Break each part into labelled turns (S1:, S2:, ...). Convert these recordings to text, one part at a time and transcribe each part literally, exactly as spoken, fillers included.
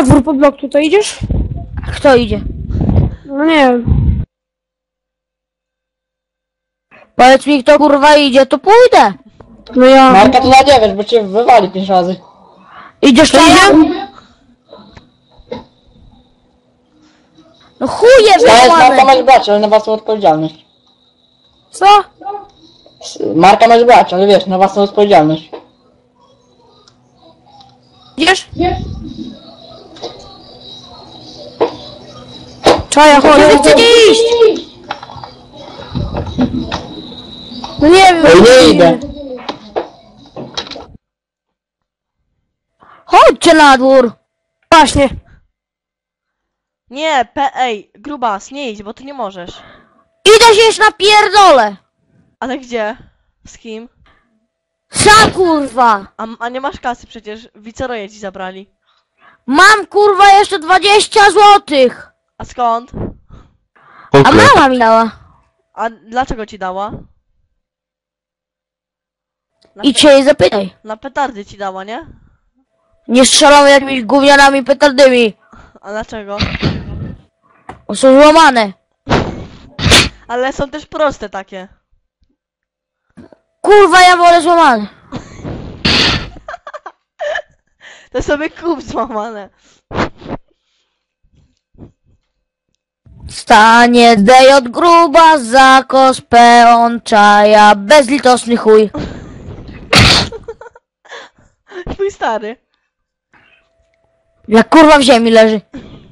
S1: na dwór pod blok tutaj idziesz?
S2: Kto idzie?
S1: No nie wiem.
S2: Powiedz mi, kto kurwa idzie, to pójdę.
S1: No ja...
S3: Marka to na dziewięć, bo cię wywali pięć razy.
S2: Idziesz tam? No chuje
S3: To jest Marka
S2: wyłane.
S3: masz brać, ale na własną odpowiedzialność.
S1: Co?
S3: Marka masz brać, ale wiesz, na własną odpowiedzialność.
S2: Idziesz?
S1: Czaja, chodź.
S2: Gdzie wy chcecie iść?
S1: No nie wiem.
S3: Ej, nie idę.
S2: Chodźcie na dwór.
S1: Właśnie.
S4: Nie, pe ej, grubas, nie idź, bo ty nie możesz.
S2: Idę się jeszcze na pierdolę.
S4: Ale gdzie? Z kim?
S2: Sam kurwa.
S4: A, a nie masz kasy przecież, wiceroje ci zabrali.
S2: Mam kurwa jeszcze dwadzieścia złotych.
S4: A skąd?
S2: A mama mi dała.
S4: A dlaczego ci dała? Na,
S2: Idź się jej zapytaj.
S4: na petardy ci dała, nie?
S2: Nie strzelamy jakimiś gównianami petardymi.
S4: A dlaczego?
S2: Bo są złamane.
S4: Ale są też proste takie.
S2: Kurwa, ja wolę złamane.
S4: To sobie kup złamane.
S2: Stanie dej od gruba, zakos, peon, czaja, bezlitosny chuj.
S4: Twój stary.
S2: Jak kurwa w ziemi leży.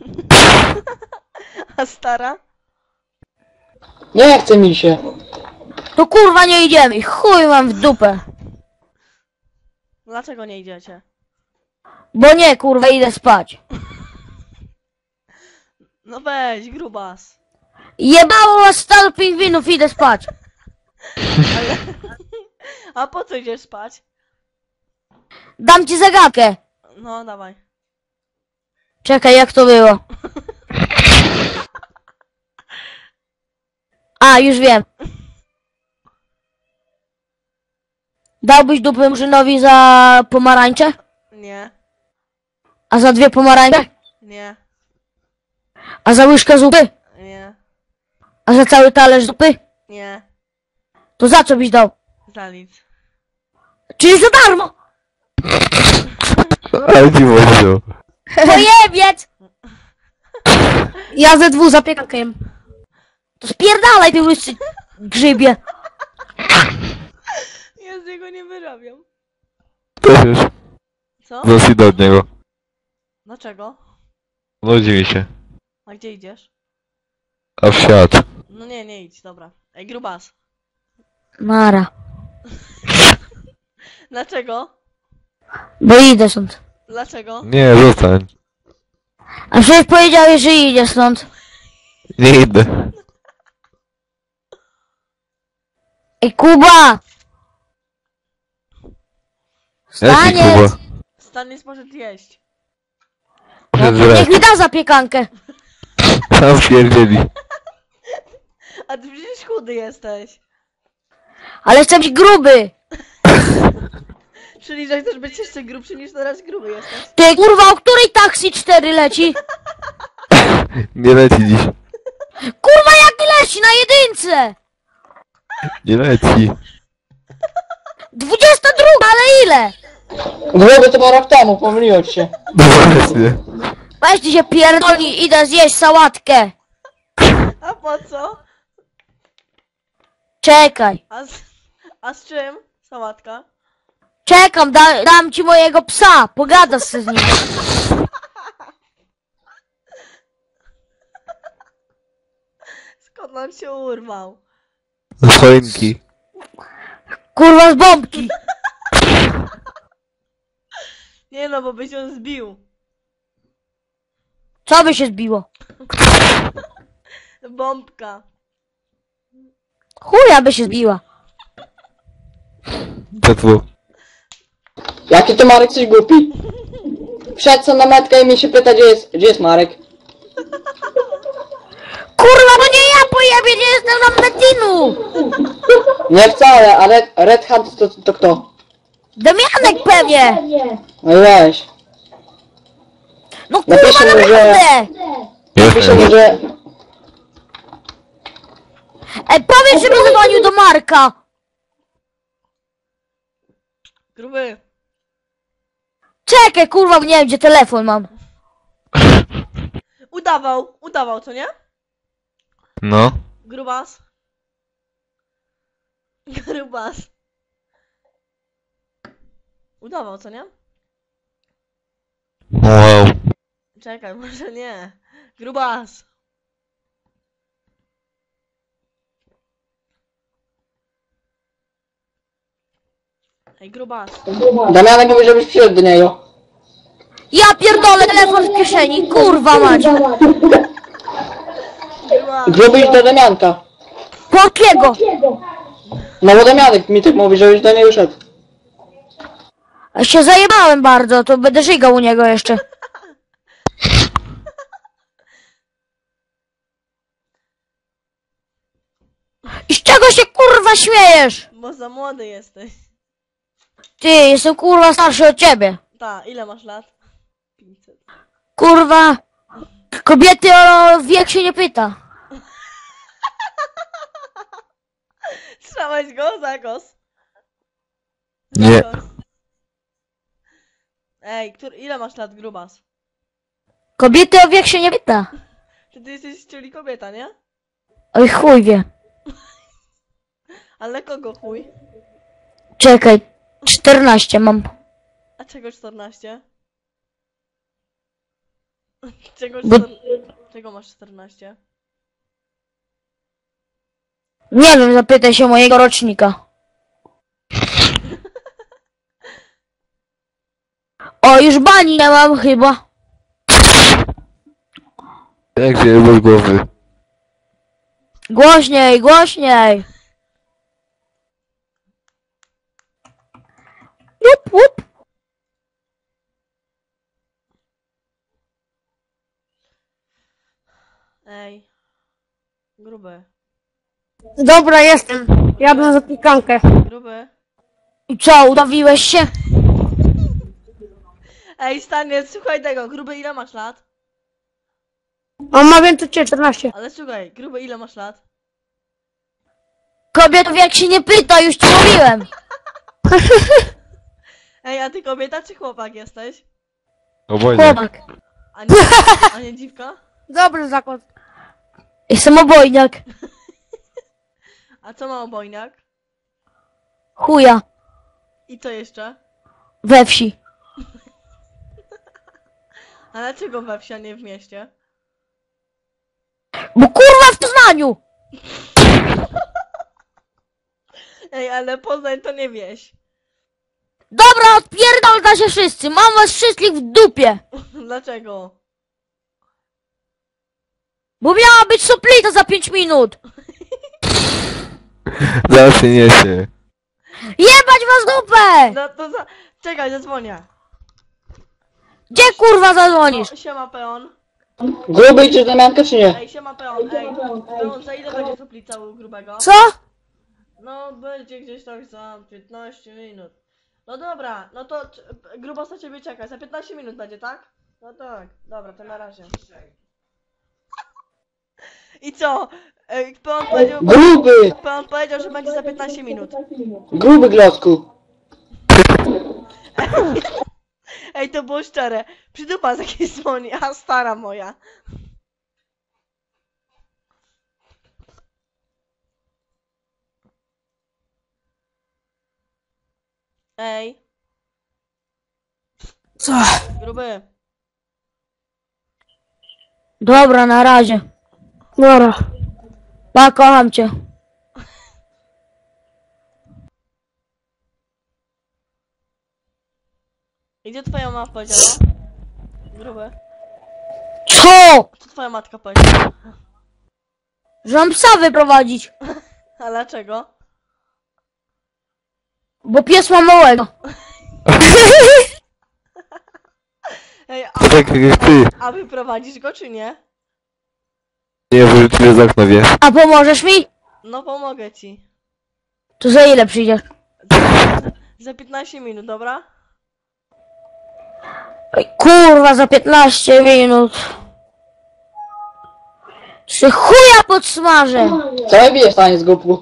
S4: A stara?
S3: Nie chce mi się.
S2: To kurwa nie idziemy. Chuj mam w dupę.
S4: Dlaczego nie idziecie?
S2: Bo nie kurwa idę spać.
S4: No weź, grubas.
S2: Jebało was stado pingwinów, idę spać.
S4: Ale... A po co idziesz spać?
S2: Dam ci zagadkę.
S4: No, dawaj.
S2: Czekaj, jak to było? A, już wiem. Dałbyś dupę Murzynowi za pomarańcze?
S4: Nie,
S2: A za dwie pomarańcze?
S4: nie,
S2: A za łyżkę zupy?
S4: nie,
S2: A za cały talerz zupy?
S4: nie.
S2: To za co byś dał?
S4: Za nic.
S2: Czyli za darmo!
S5: Ale ci mówił.
S2: Pojebiec!
S1: Ja ze dwóch zapiekankę jem.
S2: To spierdalaj, ty łysy grzybie.
S4: Ja z niego nie wyrabiam.
S5: Też już.
S4: Co?
S5: Zaraz idę od niego.
S4: Dlaczego?
S5: Nudzi mi się.
S4: A gdzie idziesz?
S5: A w świat.
S4: No nie, nie idź, dobra. Ej, grubas.
S2: Nara.
S4: Dlaczego?
S2: Bo idę stąd.
S4: Dlaczego?
S5: Nie, zostań.
S2: A przecież powiedziałeś, że idzie stąd.
S5: Nie idę.
S2: Ej, Kuba!
S5: Jaki
S2: Staniec!
S5: Kuba?
S4: Staniec może jeść.
S5: Muszę
S2: Niech
S5: zrać.
S2: mi da zapiekankę.
S5: Tam pierdzieli.
S4: A ty przecież chudy jesteś.
S2: Ale chcę być gruby.
S4: Czyli, że chcesz być jeszcze grubszy niż teraz gruby jesteś.
S2: Ty kurwa, o której taksi cztery leci?
S5: Nie leci dziś.
S2: Kurwa, jaki leci na jedynce?
S5: Nie leci.
S2: Dwudziesta druga, ale ile?
S3: Długo to było rok temu, pomyliłem ci się.
S5: No właśnie.
S2: Weź ty się pierdolni, idę zjeść sałatkę.
S4: A po co?
S2: Czekaj.
S4: A z, a z czym? Sałatka?
S2: Czekam, da, dam ci mojego psa, pogadasz se z nim.
S4: Skąd on się urwał?
S5: Z choinki.
S2: Kurwa z bombki.
S4: Nie no, bo byś ją zbił.
S2: Co by się zbiło?
S4: Bombka.
S2: Chuja by się zbiła.
S5: Tetwu.
S3: Jaki to Marek coś głupi? Wszedł co na metkę i mnie się pyta, gdzie jest, gdzie jest Marek.
S2: Kurwa, bo nie ja pojebie, nie jestem na Metinu.
S3: Nie wcale, a Red, Red Hat to, to kto?
S2: Damianek pewnie.
S3: No weź.
S2: No kurwa,
S3: Napiszę mu, że...
S2: naprawdę!
S3: Napiszę mu, że...
S2: Ej, powiedz, żeby zadzwonił do Marka!
S4: Gruby.
S2: Czekaj, kurwa, nie wiem, gdzie telefon mam.
S4: Udawał, udawał, co nie?
S5: No.
S4: Grubas. Grubas. Udawał, co nie?
S5: Wow.
S4: Czekaj, może nie. Grubas. Ej, grubas.
S3: Damianek mówi, żebyś przyszedł do niego.
S2: Ja pierdolę, telefon w kieszeni, kurwa mać!
S4: Grubas.
S3: Gruby idź do Damianka.
S2: Po jakiego?
S3: No bo Damianek mi tak mówi, żebyś do niego szedł.
S2: Ja się zajebałem bardzo, to będę żygał u niego jeszcze. I z czego się kurwa śmiejesz?
S4: Bo za młody jesteś.
S2: Ty, jestem kurwa starszy od ciebie.
S4: Ta, ile masz lat? pięćset.
S2: Kurwa, kobiety o wiek się nie pyta.
S4: Słyszałeś go? Zagos.
S5: Nie.
S4: Zagos. Ej, który, ile masz lat, grubas?
S2: Kobiety o wiek się nie pyta.
S4: Ty, ty jesteś czyli kobieta, nie?
S2: Oj chuj wie.
S4: Ale kogo chuj?
S2: Czekaj, czternaście mam.
S4: A czego czternaście? Czego
S2: Bo-
S4: czter... Czego masz czternaście?
S2: Nie wiem, zapytaj się mojego rocznika. O, już bani nie mam chyba.
S5: Jak się bez głowy.
S2: Głośniej, głośniej. Łup, łup.
S4: Ej. Gruby.
S1: Dobra, jestem. Jadę na zapiekankę.
S4: Gruby.
S2: I co, udawiłeś się?
S4: Ej, staniec, słuchaj tego. Gruby, ile masz lat?
S1: On ma więcej cię, czternaście.
S4: Ale słuchaj, gruby, ile masz lat?
S2: Kobietów jak się nie pyta, już ci mówiłem.
S4: Ej, a ty kobieta czy chłopak jesteś?
S5: Obojnie.
S2: Chłopak.
S4: A nie, a nie dziwka?
S1: Dobry zakład.
S2: Jestem obojniak.
S4: A co ma obojniak?
S2: Chuja.
S4: I co jeszcze?
S2: We wsi.
S4: A dlaczego we wsi, a nie w mieście?
S2: Bo kurwa w Poznaniu.
S4: Ej, ale Poznań to nie wieś.
S2: Dobra, odpierdolta się wszyscy. Mam was wszystkich w dupie.
S4: Dlaczego?
S2: Bo miała być soplita za pięć minut.
S5: Zaraz się niesie.
S2: Jebać was dupę.
S4: No to za... Czekaj, zadzwonię.
S2: Gdzie kurwa zadzwonisz?
S4: O, siema peon.
S3: Gruby idziesz do Damianka czy nie?
S4: Ej, siema peon, ej. Peon, za ile będzie soplica u grubego?
S1: Co?
S4: No, będzie gdzieś tak za piętnaście minut. No dobra, no to c- grubas na ciebie czeka. Za piętnaście minut będzie, tak? No tak, dobra, to na razie. I co? Ej, peon powiedział,
S3: Gruby!
S4: peon powiedział, że będzie za piętnaście minut.
S3: Gruby glotku.
S4: Ej, to było szczere. Przydupa z jakiejś dzwoni, a stara moja. Ej,
S1: Co?
S4: gruby.
S2: Dobra, na razie.
S1: Dobra.
S2: Pa, kocham cię.
S4: I gdzie twoja mama powiedziała? Gruby.
S2: Co?
S4: Co twoja matka powiedziała?
S2: Że mam psa wyprowadzić.
S4: A dlaczego?
S2: Bo pies ma małego.
S4: Ej, a,
S5: To tak jak ty.
S4: a wyprowadzisz go czy nie?
S5: Nie, wyrzuciłem z okna, wiesz.
S2: A pomożesz mi?
S4: No pomogę ci.
S2: To za ile przyjdziesz?
S4: Za, za piętnaście minut, dobra?
S2: Ej, kurwa, za piętnaście minut. Czy chuja podsmażę?
S3: Co mi bijesz, tanie z głupku?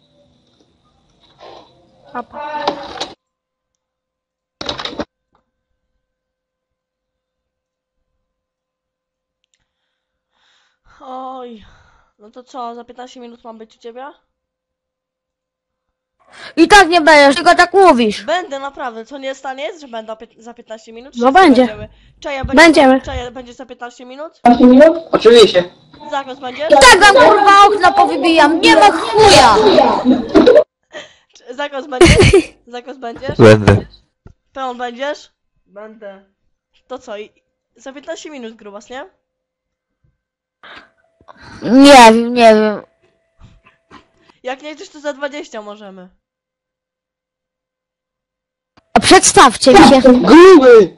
S4: Oj. No to co, za piętnaście minut mam być u ciebie?
S2: I tak nie będziesz, tylko tak mówisz.
S4: Będę naprawdę, co nie stanie, że będę pię- za piętnaście minut?
S1: No
S4: Wszyscy
S1: będzie.
S4: będziemy. Czaja będzie,
S1: Będziemy.
S4: Czaja będzie za piętnaście minut?
S3: Oczywiście.
S4: Zakos będziesz?
S2: I tak wam kurwa okna powybijam, nie ma chuja.
S4: Czy- Zakos będziesz? Zakos będziesz?
S5: Będę.
S4: Pełen będziesz? Będę. To co, i- za piętnaście minut grubas, nie?
S2: Nie wiem, nie wiem.
S4: Jak nie chcesz, to za dwadzieścia możemy.
S2: A przedstawcie mi się.
S3: Gruby!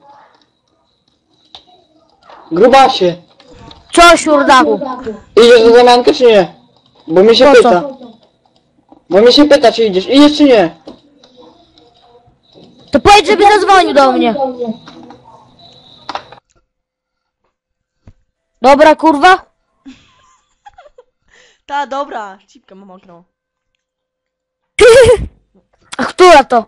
S3: Grubasie.
S2: Co, siurdaku?
S3: Idziesz do zamiankę czy nie? Bo mi się
S2: Po co?
S3: pyta. Bo mi się pyta, czy idziesz. Idziesz czy nie?
S2: To powiedz, żeby zadzwonił do mnie. Dobra, kurwa?
S4: Ta, dobra. Cipkę mam mokrą.
S2: A która to?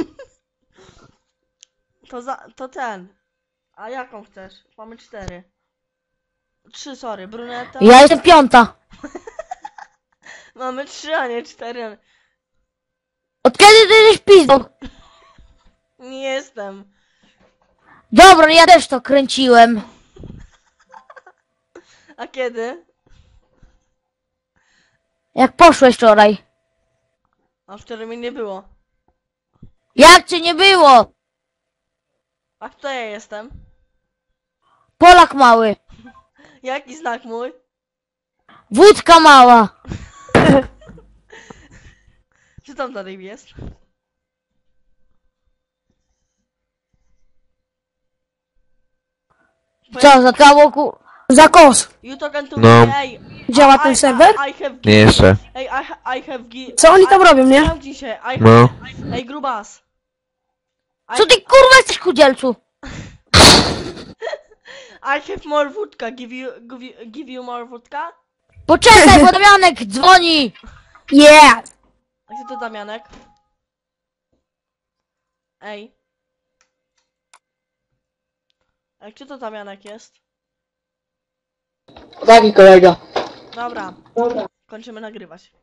S4: To za, to ten. A jaką chcesz? Mamy cztery. Trzy, sorry, bruneta.
S2: Ja jestem piąta.
S4: Mamy trzy, a nie cztery.
S2: Od kiedy ty jesteś pizdą?
S4: Nie jestem.
S2: Dobra, ja też to kręciłem.
S4: A kiedy?
S2: Jak poszłeś wczoraj.
S4: A wczoraj mnie nie było.
S2: Jak cię nie było?
S4: A kto ja jestem?
S2: Polak mały.
S4: Jaki znak mój?
S2: Wódka mała.
S4: Co tam dalej jest?
S2: Co, za kało ku...
S1: Za kos.
S4: You talking to
S5: No.
S4: me? Ej,
S1: Działa
S4: I-
S1: ten
S4: I-
S1: serwer?
S4: I have
S5: Nie jeszcze.
S4: Ej, I, ha- I have gi-
S1: Co oni tam
S4: I-
S1: robią, nie?
S4: Zamknij się. I
S5: No.
S4: Ej, grubas. I,
S2: Co ty kurwa jesteś chudzielcu?
S4: I have more wódka. Give you, give you, give you more wódka?
S2: Poczekaj, bo Damianek dzwoni.
S1: Yeah.
S4: A gdzie to Damianek? Ej. Ej, czy to Damianek jest?
S3: Taki kolega.
S4: Dobra. Kończymy nagrywać.